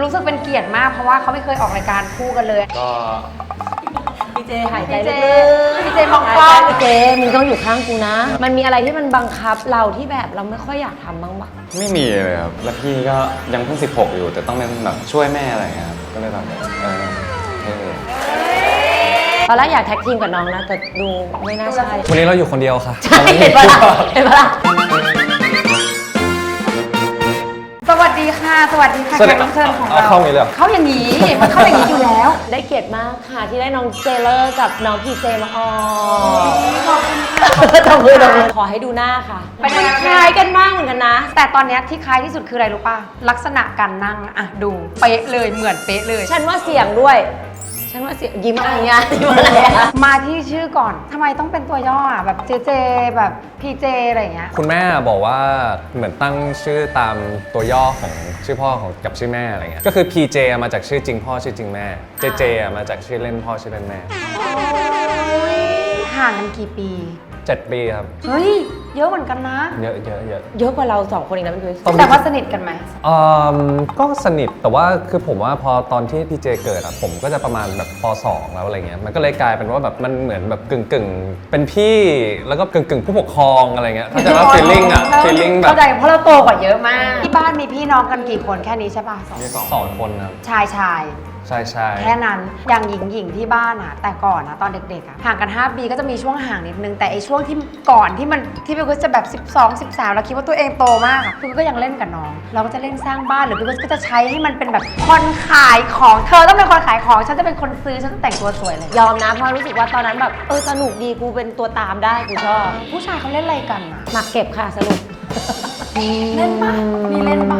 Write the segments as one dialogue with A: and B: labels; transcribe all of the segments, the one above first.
A: รู้สึกเป็นเกียรติมากเพราะว่าเขาไม่เคยออกรายการคู่กันเลย
B: ก็
C: พี่เจหายใจลึกๆ
A: พี่เจมองกล้อง
C: พี่เจมึงต้องอยู่ข้างกูนะ มันมีอะไรที่มันบังคับเราที่แบบเราไม่ค่อยอยากทำบ้างปะ
B: ไม่มีเลยครับแล้วพี่ก็ยังเพิ่ง16อยู่แต่ต้องเป็นแบบช่วยแม่อะไรเงี้ยครับก็เลยแบบเท่
C: ตอนแรกอยากแท็กทีมกับน้องนะแต่ดูไม่น่าใช่
D: วันนี้เราอยู่คนเดียวค่ะ
C: ใช่เห็นปะล่ะเห็นปะล่ะ
A: สวัสดีค่ะสวัสดีค่ะ
D: สวัส
A: แข
D: ดี
A: กรับเชิญของ
D: เอา
A: เรา
D: เข้าอย่างนี้เลยเหรอ
A: เข้าอย่างนี้มันเข้าอย่างนี้อยู่แล้ว
C: ได้เกียรติมากค่ะที่ได้น้องเจเลอร์กับน้องพีเจมาออก
A: ขอบคุณค่ะ
C: ตบมือขอให้ดูหน้าค่ะ
A: เป็นยังไง
C: คล้ายกันมากเหมือนกันนะ
A: แต่ตอนเนี้ยที่คล้ายที่สุดคืออะไรรู้ป่ะลักษณะการนั่งอะดูเป๊ะเลยเหมือนเป๊ะเลย
C: ฉันว่าเสียงด้วยฉันว่าเสียงยิ้มอะไรเงี้ยยิ้มอะไรอะ
A: มาที่ชื่อก่อนทำไมต้องเป็นตัวย่ออะแบบเจเจแบบพีเจอะไรอย่างเงี้ย
D: คุณแม่บอกว่าเหมือนตั้งชื่อตามตัวย่อของชื่อพ่อของกับชื่อแม่อะไรเงี้ยก็คือ PJ มาจากชื่อจริงพ่อชื่อจริงแม่ JJ มาจากชื่อเล่นพ่อชื่อเล่นแม่
A: ห่างกันกี่ปี
D: 7 ปีครับ
A: เฮ้ยเยอะเหมือนกันนะ
D: เยอะเยอะเยอะ
C: เยอะกว่าเรา2คนอีกนะพี่คริส
A: แต่ว่าสนิทกันไหม
D: ก็สนิทแต่ว่าคือผมว่าพอตอนที่พี่เจเกิดอะผมก็จะประมาณแบบป .2 แล้วอะไรเงี้ยมันก็เลยกลายเป็นว่าแบบมันเหมือนแบบกึ่งเป็นพี่แล้วก็กึ่งผู้ปกครองอะไรเงี้ยเข้าใจว่า feeling อะ feeling แบบ
A: เข้าใจเพราะเราโตกว่าเยอะมากที่บ้านมีพี่น้องกันกี่คนแค่นี้ใช่ป่ะ
D: มี2 คนครับ
A: ชายชาย
D: ใช่ใช่
A: แค่นั้นอย่างหญิงหญิงที่บ้านอะแต่ก่อนนะตอนเด็กๆอะห่างกัน5 ปีก็จะมีช่วงห่างนิดนึงแต่ไอช่วงที่ก่อนที่พี่กุ๊กจะแบบ12 13แล้วคิดว่าตัวเองโตมากอะพี่กุ๊กก็ยังเล่นกับน้องเราก็จะเล่นสร้างบ้านหรือพี่กุ๊กก็จะใช้ให้มันเป็นแบบคนขายของเธอต้องเป็นคนขายของฉันจะเป็นคนซื้อฉันจะแต่งตัวสวยเลย
C: ยอมนะเพราะรู้สึกว่าตอนนั้นแบบสนุกดีกูเป็นตัวตามได้กูชอบ
A: ผู้ชายเขาเล่นอะไรกันอะ
C: หมักเก็บค่ะสรุป
A: เล่นปะมีเล่นปะ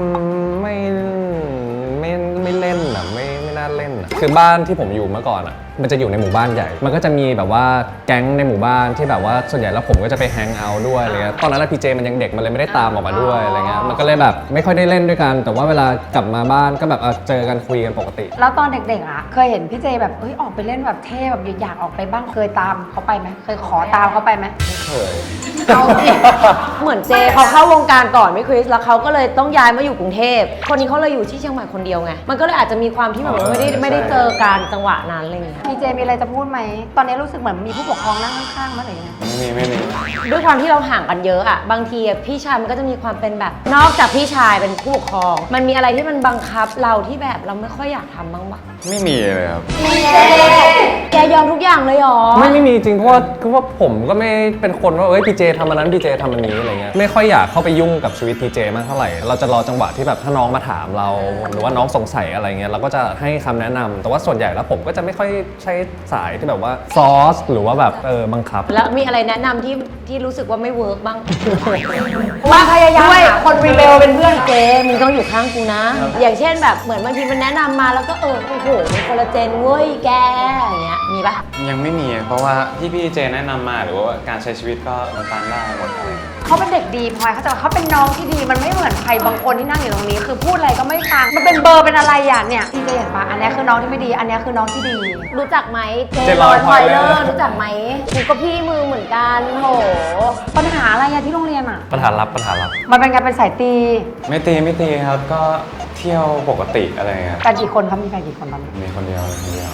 D: ไม่เล่นอ่ะไม่น่าเล่นอ่ะคือบ้านที่ผมอยู่เมื่อก่อนอ่ะมันจะอยู่ในหมู่บ้านใหญ่ มันก็จะมีแบบว่าแก๊งในหมู่บ้านที่แบบว่าส่วนใหญ่แล้วผมก็จะไปแฮงเอาท์ด้วยอะไรเงี้ยตอนนั้นพีเจมันยังเด็กมันเลยไม่ได้ตามออกมาด้วยอะไรเงี้ยมันก็เลยแบบไม่ค่อยได้เล่นด้วยกันแต่ว่าเวลากลับมาบ้านก็แบบเจอกันคุยกันปกติ
A: แล้วตอนเด็กๆอะเคยเห็นพี่เจแบบเฮ้ยออกไปเล่นแบบเท่แบบอยากออกไปบ้างเคยตามเขาไปไหมเคยขอตามเขาไปไหม
D: ไม่เคย
A: เอาดิ
C: เหมือนเจเขาเข้าวงการก่อนไม่คริสแล้วเขาก็เลยต้องย้ายมาอยู่กรุงเทพคนนี้เขาเลยอยู่ที่เชียงใหม่คนเดียวไงมันก็เลยอาจจะมีความที่แบบว่าไม่ได้เจอการจังหวะนั้นอะไรเงี้ย
A: พี่เจมีอะไรจะพูดไหมตอนนี้รู้สึกเหมือนมีผู้ปกครองนั่งข้างๆมั้ยหรือยังไง
B: ไม่มี
C: ด้วยความที่เราห่างกันเยอะอะบางทีอะพี่ชายมันก็จะมีความเป็นแบบนอกจากพี่ชายเป็นผู้ปกครอง มันมีอะไรที่มันบังคับเราที่แบบเราไม่ค่อยอยากทำบ้างปะ
B: ไม่มีเลยครับ
C: แกยอมทุกอย่างเลยเหรอ
D: ไม่มีจริงเพราะว่าผมก็ไม่เป็นคนว่าพีเจทำอันนั้นพีเจทำอันนี้อะไรเงี้ยไม่ค่อยอยากเข้าไปยุ่งกับชีวิตพีเจมากเท่าไหร่เราจะรอจังหวะที่แบบถ้าน้องมาถามเราหรือว่าน้องสงสัยอะไรเงี้ยเราก็จะให้คำแนะนำแต่ว่าส่วนใหญ่แล้วผมก็จะไม่ค่อยใช้สายที่แบบว่าซอสหรือว่าแบบบังคับ
C: แล้วมีอะไรแนะนำที่รู้สึกว่าไม่เวิร์กบ้าง
A: ว่าพยายาม
C: ด้วย
A: หาคนรีเบลเป็นเพื่อน
C: เจมึงต้องอยู่ข้างกูนะ อย่างเช่นแบบเหมือนบางทีมันแนะนำมาแล้วก็โอ้โหมันคนละเจนเว้ยแกอย่างเงี้ยมีปะ
B: ยังไม่มีเพราะว่าที่พี่เจแนะนำมาหรือว่าการใช้ชีวิตก็มันตามได้หมดอะไร
A: เขาเป็นเด็กดีพลอยเขาจะเขาเป็นน้องที่ดีมันไม่เหมือนใครบางคนที่นั่งอยู่ตรงนี้ คือพูดอะไรก็ไม่ฟังมันเป็นเบอร์เป็นอะไรอย่างเนี่ยพี่เจเห็นปะอันนี้คือน้องที่ไม่ดี อันนี้คือน้องที่ดี
C: รู้จักไหมเจ
D: เจ
C: ล
D: ล
C: อ
D: อย ย
C: พอยเลอ
D: Poiler
C: ร์รู้จักไหมกูก็พี่มือเหมือนกันโห
A: ปัญหาอะไรอะที่โรงเรียนอะ
D: ปัญหาลับ
A: มันเป็นการเป็นสายตี
B: ไม่ตีครับก็เที่ยวปกติอะไรเงี้ย
A: กันกี่คนเขามีกันกี่คนตอนนี้
B: มีคนเดียวเลยคนเดียว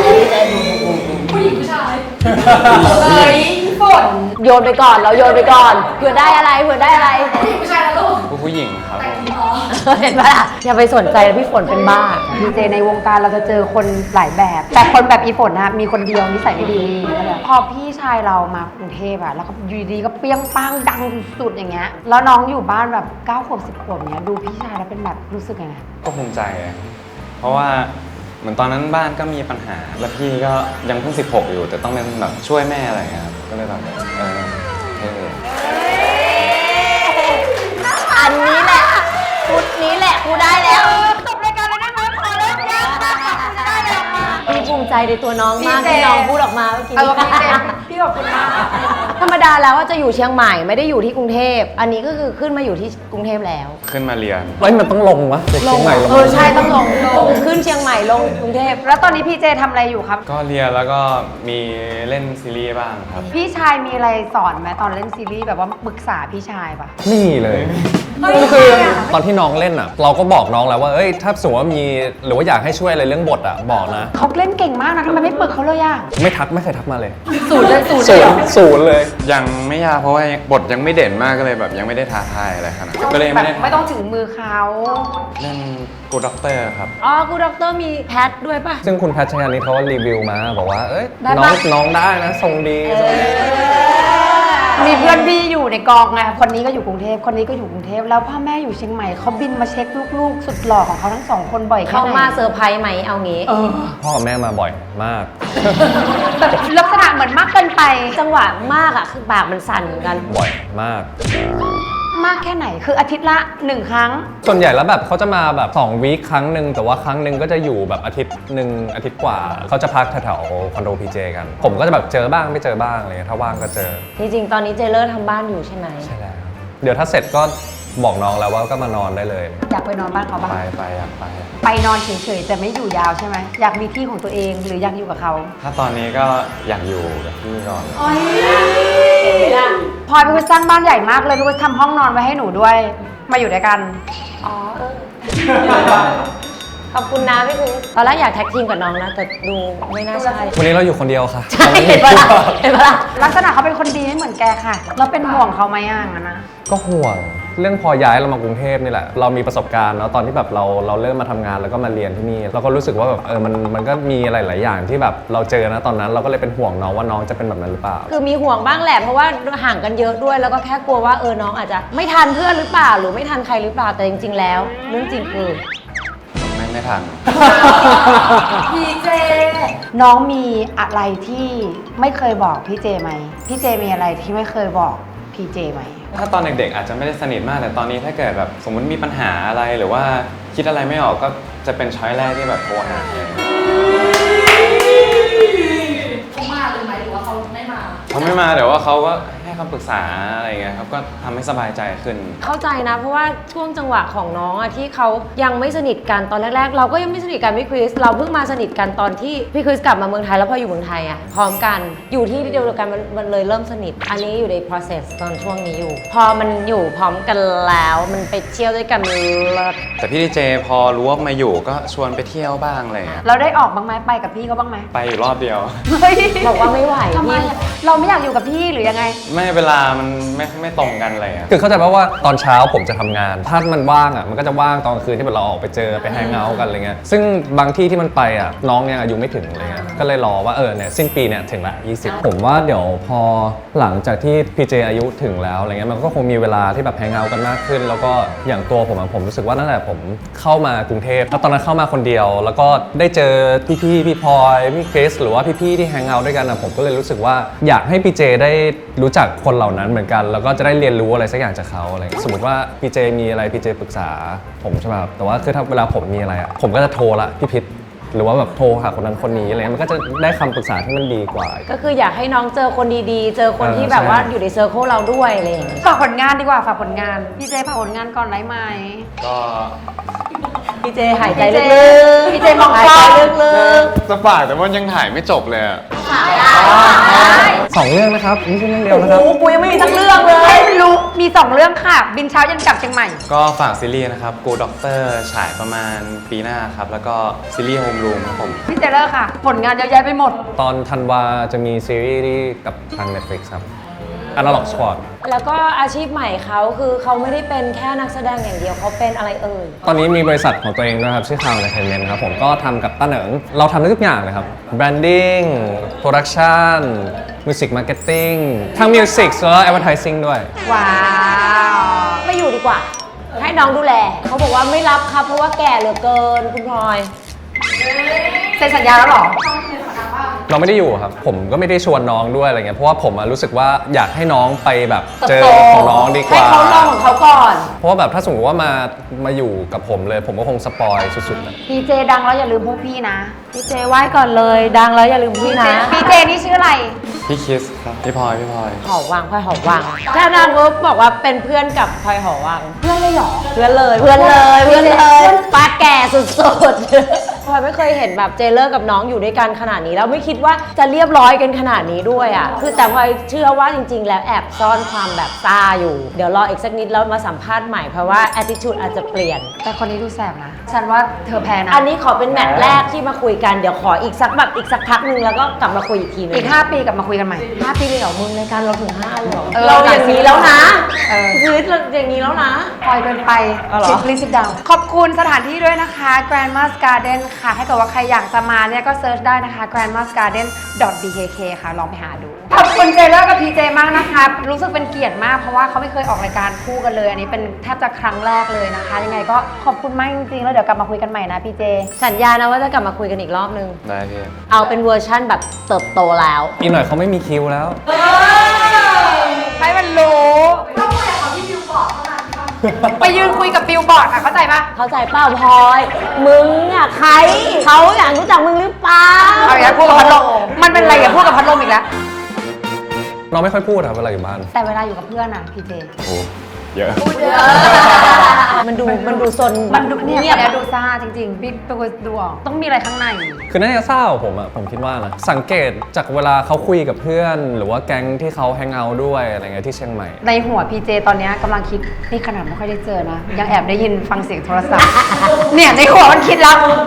A: เฮ้ยฝน
C: โยนไปก่อนเราโยนไปก่อนเผื่อได้อะไรเผื่อได้อะไร
B: ผู้หญิงครับผม
C: เห็นปะล่ะอย่าไปสนใจนะพี่ฝนเป็นบ้า
A: พีเจในวงการเราจะเจอคนหลายแบบ แต่คนแบบอีฝนนะมีคนเดียวนิสัยไม่ดีพอพี่ชายเรามากรุงเทพอะแล้วก็อยู่ดีก็เปรี้ยงป้างดังสุดๆอย่างเงี้ยแล้วน้องอยู่บ้านแบบ9 ขวบ10 ขวบเนี้ยดูพี่ชายแล้วเป็นแบบรู้สึกยังไง
B: ก็ภูมิใจอะเพราะว่าเหมือนตอนนั้นบ้านก็มีปัญหาแล้วพี่ก็ยังเพิ่ง16อยู่แต่ต้องเป็นแบบช่วยแม่อะไรเงี้ยครับก็เลยแบบเท่
C: อันนี้แหละชุดนี้แหละกูได้แล้ว
A: จบรายการเลยได้ไหมพอแล้วยังจะได้เลยมา
C: พี่ภูมิใจในตัวน้องมาก
A: พี่เจ
C: ที่น้องพูดออกมาเมื่อกี้
A: พี่เจพี่ขอบคุณมาก
C: ธรรมดาแล้วว่าจะอยู่เชียงใหม่ไม่ได้อยู่ที่กรุงเทพอันนี้ก็คือขึ้นมาอยู่ที่กรุงเทพแล้ว
B: ขึ้นมาเรียน
D: เฮ้ยมันต้องลงวะเด็กเชียงใหม่ลง
C: ใช่ต้องลงขึ้นเชียงใหม่ลงกรุงเทพ
A: แล้วตอนนี้พี่เจทำอะไรอยู่ครับ
B: ก็เรียนแล้วก็มีเล่นซีรีส์บ้างครับ
A: พี่ชายมีอะไรสอนไหมตอนเล่นซีรีส์แบบว่าปรึกษาพี่ชายปะ
D: ไม่มีเลย
A: เฮ้ย
D: ก็คือ
A: ทำไมอะ
D: ตอนที่น้องเล่นอ่ะ เราก็บอกน้องแล้วว่าเอ้ยถ้าสมมติว่ามีหรือว่าอยากให้ช่วยอะไรเรื่องบทอ่ะบอกนะ
A: เขาเล่นเก่งมากนะทำไมไม่ปรึกเขาเลยอะ
D: ไม่เคยทักมาเลย
A: ศูนย์เลย
D: ศูนย์เลย
B: ยังไม่ยากเพราะว่าบทยังไม่เด่นมากก็เลยแบบยังไม่ได้ท้าทายอะไรขนาดนั้นก็เลย
A: แบ
B: ไม่
A: บ
B: ได้
A: ไม่ต้องถึงมือเขา
B: เล่นกูด็อกเตอร์ครับ
C: อ๋อกูด็อกเตอร์มีแพทด้วยป่ะ
D: ซึ่งคุณแพทชยานิดเขาก็รีวิวมาบอกว่าเอ้ย
C: ได้
D: น้
C: ปะ
D: องได้นะทรงดีทรงดี
A: มีเพื่อนพี่อยู่ในกองไงคนนี้ก็อยู่กรุงเทพคนนี้ก็อยู่กรุงเทพแล้วพ่อแม่อยู่เชียงใหม่เขาบินมาเช็คลูกๆ สุดหล่อของเขาทั้งสองคนบ่อยแค่
C: เขา
A: ไหน
C: มาเซอร์ไพรส์ไหมเอางี้
D: พ่อกับแม่มาบ่อยมาก
A: แบบลักษณะเหมือนมากเกินไป
C: จังหวะมากอ่ะคือปากมันสั่นเหมือนกัน
D: บ่อยมาก
A: มากแค่ไหนคืออาทิตย์ละ1 ครั้ง
D: ส่วนใหญ่แล้วแบบเขาจะมาแบบ2 วีคครั้งหนึ่งแต่ว่าครั้งหนึ่งก็จะอยู่แบบอาทิตย์หนึ่งอาทิตย์กว่าเขาจะพักแถวๆคอนโดพีเจกัน ผมก็จะแบบเจอบ้างไม่เจอบ้างอะไรเงี้ยถ้าว่างก็เจอ
C: จริงๆ ตอนนี้เจเลอร์ทำบ้านอยู่ใช่ไหม
D: ใช่แล้วเดี๋ยวถ้าเสร็จก็บอกน้องแล้วว่าก็มานอนได้เลย
A: อยากไปนอนบ้านเขาบ้าง
B: ไปอยากไป
A: ไปนอนเฉยๆแต่ไม่อยู่ยาวใช่ไหมอยากมีที่ของตัวเองหรืออยากอยู่กับเขา
B: ถ้าตอนนี้ก็อยากอยู่กับพี่ก่อน
A: พลอยพี่วิสร้างบ้านใหญ่มากเลยพี่วิสทำห้องนอนไว้ให้หนูด้วย มาอยู่ด้วยกัน
C: อ๋อขอบคุณนะพี่คริสตอนแรกอยากแท็กทีมกับน้องนะ แต่ดูไม่น่าใช่
D: วันนี้เราอยู่คนเดียวค่ะ
C: ใช่เห็นปะล่ะเห็นปะล่ะ
A: ลักษณะเขาเป็นคนดีไม่เหมือนแกค่ะ เราเป็นห่วงเขาไหมอ่ะงั้นนะ
D: ก็ห่วงเรื่องพอย้ายเรามากรุงเทพนี่แหละเรามีประสบการณ์แล้วตอนที่แบบเราเริ่มมาทำงานแล้วก็มาเรียนที่นี่เราก็รู้สึกว่าแบบมันก็มีอะไรหลายอย่างที่แบบเราเจอนะตอนนั้นเราก็เลยเป็นห่วงน้องว่าน้องจะเป็นแบบนั้นหรือเปล่า
C: คือมีห่วงบ้างแหละเพราะว่าห่างกันเยอะด้วยแล้วก็แค่กลัวว่าน้องอาจจะไม่ทันเพื่อนหรือเปล่าหรือไม่ทันใครหรือเปล่าแต่จริง ๆ แล้ว เรื่องจริงคือ
B: ไม่ทัน
A: พี่เจ น้องมีอะไรที่ไม่เคยบอกพี่เจไหมพี่เจมีอะไรที่ไม่เคยบอกพี่เจไหม
B: ถ้าตอนเด็กๆอาจจะไม่ได้สนิทมากแต่ตอนนี้ถ้าเกิดแบบสมมติมีปัญหาอะไรหรือว่าคิดอะไรไม่ออกก็จะเป็นช้อยแรกที่แบบโทรหาเลย
E: เขามาเลยไหมหรือว่าเขาไม่มา
B: เขาไม่มาแต่ว่าเขาก็ให้คำปรึกษาอะไรเงี้ยครับก็ทำให้สบายใจขึ้น
C: เข้าใจนะเพราะว่าช่วงจังหวะของน้องอะที่เขายังไม่สนิทกันตอนแรกๆ เราก็ยังไม่สนิทกันพี่คริสเราเพิ่งมาสนิทกันตอนที่พี่คริสกลับมาเมืองไทยแล้วพออยู่เมืองไทยอะพร้อมกันอยู่ที่เดียวกันมันเลยเริ่มสนิท อันนี้อยู่ใน process ตอนช่วงนี้อยู่ พอมันอยู่พร้อมกันแล้วมันไปเที่ยวด้วยกันเลิศ
B: แต่พี่ดีเจพอรู้ว่ามาอยู่ก็ชวนไปเที่ยวบ้างอะไรเงี้ย
A: เราได้ออกบ้างไหมไปกับพี่เขาบ้างไหม
B: ไปอยู่รอบเดียว
A: เฮ้ย
C: บอกว่าไม่ไหว
A: ทำไม
C: พี่
A: อะเราไม่อยากอยู่กับพี่หรือยังไง
B: ไม่เวลามันไม่ตรงกันอะไรเงี้ย
D: คือเข้าใจป่ะว่าตอนเช้าผมจะทำงาน ถ้ามันว่างอ่ะมันก็จะว่างตอนกลางคืนที่แบบเราออกไปเจอไปแฮงเอาท์กันอะไรเงี้ยซึ่งบางที่ที่มันไปอ่ะน้องยังอายุไม่ถึงอะไรเงี้ยก็เลยรอว่าเนี่ยสิ้นปีเนี่ยถึงละ20ผมว่าเดี๋ยวพอหลังจากที่พีเจอายุถึงแล้วอะไรเงี้ยมันก็คงมีเวลาที่แบบแฮงเอาท์กันมากขึ้น แล้วก็อย่างตัวผมรู้สึกว่าตั้งแต่ผมเข้ามากรุงเทพแล้วตอนนั้นเข้ามาคนเดียว แล้วก็ได้เจอพี่พลอยพี่คริสหรือว่าพี่ๆที่แฮงเอาท์ด้วยกันนะผมก็เลยรู้สึกว่าอยากให้พีเจได้รู้จักคนเหล่านั้นเหมือนกันแล้วก็จะได้เรียนรู้อะไรสักอย่างจากเขาอะไรเงี้ยสมมติว่าพีเจมีอะไรพีเจปรึกษาผมใช่ไหมครับแต่ว่าคือถ้าเวลาผมมีอะไรอ่ะผมก็จะโทรละพี่พิษหรือว่าแบบโทรหาคนนั้นคนนี้อะไรเงี้ยมันก็จะได้คำปรึกษาที่มันดีกว่า
C: ก็คืออยากให้น้องเจอคนดีๆ เจอคนที่แบบว่าอยู่ในเซอร์เคิลเราด้วยอะไรอย่างเงี้ย
A: ฝากผลงานดีกว่าฝากผลงานพี่เจฝากผลงานก่อนได้ไหม
B: ก็
C: พี่เจหายใจ
A: พี่
C: ลึ
A: เจ
C: กๆ
A: พี่เจมอง
C: หาย
A: กล้
C: ใจ
A: อง
C: ลึก
B: จะฝากแต่ว่ายังถ่ายไม่จบเลยอะ
D: 2 เรื่องนะครับไม่ใช่เรื่องเดียว
C: ๆ
D: นะครับ
C: โอ้โหกูยังไม่มีสักเรื่องเลย
A: ไม่รู้มี2 เรื่องค่ะ บินเช้ายันกลับเชียงใหม่
B: ก็ฝากซีรีส์นะครับกูด็อกเตอร์ฉายประมาณปีหน้าครับแล้วก็ซีรีส์โฮมรูมครับผม
A: พี่เจเลอร์ค่ะ ผลงานเยอะแยะไปหมด
D: ตอนธันวาจะมีซีรีส์ที่กับทาง Netflix ครับ Analog Squad
C: แล้วก็อาชีพใหม่เขาคือเขาไม่ได้เป็นแค่นักแสดงอย่างเดียวเขาเป็นอะไรเอ่ย
D: ตอนนี้มีบริษัทของตัวเองด้วยครับชื่อ Cloud Entertainment ครับผมก็ทำกับต้าเหนิงเราทำได้ทุกอย่างเลยครับ Branding Production Music Marketing ทั้ง Music แล้วก็ Advertising ด้วย
A: ว้าว
C: ไม่อยู่ดีกว่า ให้น้องดูแล เขาบอกว่าไม่รับครับ เพราะว่าแก่เหลือเกินคุณพลอย
A: เซ็นสัญญาแล้วเหรอ
D: เราไม่ได้อยู่ครับ ผมก็ไม่ได้ชวนน้องด้วยอะไรเงี้ยเพราะว่าผมรู้สึกว่าอยากให้น้องไปแบบเจอของน้องดีก
C: ให้
D: ว่า
C: เขาลองของเขาก่อน
D: เพราะว่าแบบถ้าสมมติว่ามาอยู่กับผมเลย ผมก็คงสปอยสุดๆนะ
A: พี่เจดังแล้วอย่าลืมพวกพี่นะ
C: พี่เจไหว้ก่อนเลย ดังแล้วอย่าลืมพี่นะ
A: พี่เจนี่ชื่ออะไร
B: พพี่คิสครับพี่พลอย
C: หอวังพลอยหอวังถ้านางก็บอกว่าเป็นเพื่อนกับพลอยหอวังเพื่อนเลยเหรอเพื่อนเลยปาแก่สุดๆพลอยไม่เคยเห็นแบบเจเลอร์กับน้องอยู่ด้วยกันขนาดนี้แล้วไม่คิดว่าจะเรียบร้อยกันขนาดนี้ด้วยอ่ะคือแต่พลอยเชื่อว่าจริงๆแล้วแอบซ่อนความแบบซ่าอยู่เดี๋ยวรออีกสักนิดแล้วมาสัมภาษณ์ใหม่เพราะว่า attitude อาจจะเปลี่ยน
A: แต่คนนี้ดูแสบนะ ฉันว่าเธอแพ้นะ
C: อันนี้ขอเป็นแมตช์แรกที่มาคุยกันเดี๋ยวขออีกสักพักนึงแล้วก็กลับมาคุยอีกทีนึง
A: อีก 5 ปีกลับมาคุยกันใหม่
C: 5 ปีเลยเหรอมึงรายการเราถึง5เลยเหรอ
A: เออ
C: เราอย่างนี้แล้วนะ
A: เออ
C: คือเราอย่างนี้แล้วนะ
A: ปล่อยเกินไป
C: เอาเหรอ
A: ลิสิดาวขอบคุณสถานที่ด้วยนะคะ Grandma's Garden ค่ะ ถ้าเกิดว่าใครอยากจะมาเนี่ยก็เซิร์ชได้นะคะ grandma's garden bkk ค่ะ ลองไปหาดู ขอบคุณเจเลอร์กับพีเจมากนะคะ รู้สึกเป็นเกียรติมากเพราะว่าเขาไม่เคยออกรายการคู่กันเลย อันนี้เป็นแทบจะครั้งแรกเลยนะคะ ยังไงก็ขอบคุณมากจริงๆ แล้วเดี๋ยวกลับมาคุยกันใหม่นะพีเจ
C: สัญญานะว่าจะกลับมาคุยกันอีกรอบนึง
B: ได้พี่
C: เอาเป็นเวอร์ชั่นแบบเติบโตแล้ว
D: อีกหน่อยเขาไม่มีคิวแล้ว
A: ให้มันรู้
E: ต้องคุยกับเขาที่บิวบอร์ดเท่านั้นค่ะ
A: ไปยืนคุยกับบิลบอร์ดอะเข้าใจปะ
C: เข้าใจเปล่าพลอย มึงอ่ะใครเขาอยากรู้จักมึงหรือเปล่า
A: เอาอย่างนี้พูดกับพัดลมมันเป็นอะไรอย่าพูดกับพัดลมอีกแล้ว
D: เราไม่ค่อยพูดครับเวลาอยู่บ้าน
A: แต่เวลาอยู่กับเพื่อนอะพีเจ
B: โอ้เยอะ
C: มันดูซน
A: มันดูเนี่ย
C: เงียบ
A: แล้วดูซ่าจริงๆบิ๊กเป็นคนดูออกต้องมีอะไรข้างใน
D: คือน่าจะเศร้าผมคิดว่านะ สังเกตจากเวลาเขาคุยกับเพื่อน หรือว่าแก๊งที่เขาแฮงเอาท์ด้วยอะไรเงี้ยที่เชียงใหม่
A: ในหัวพีเจตอนเนี้ยกำลังคิดนี่ขนาดไม่ค่อยได้เจอนะ ยังแอบได้ยินฟังเสียงโทรศัพท์ เนี่ยในหัวมันคิดแล้ว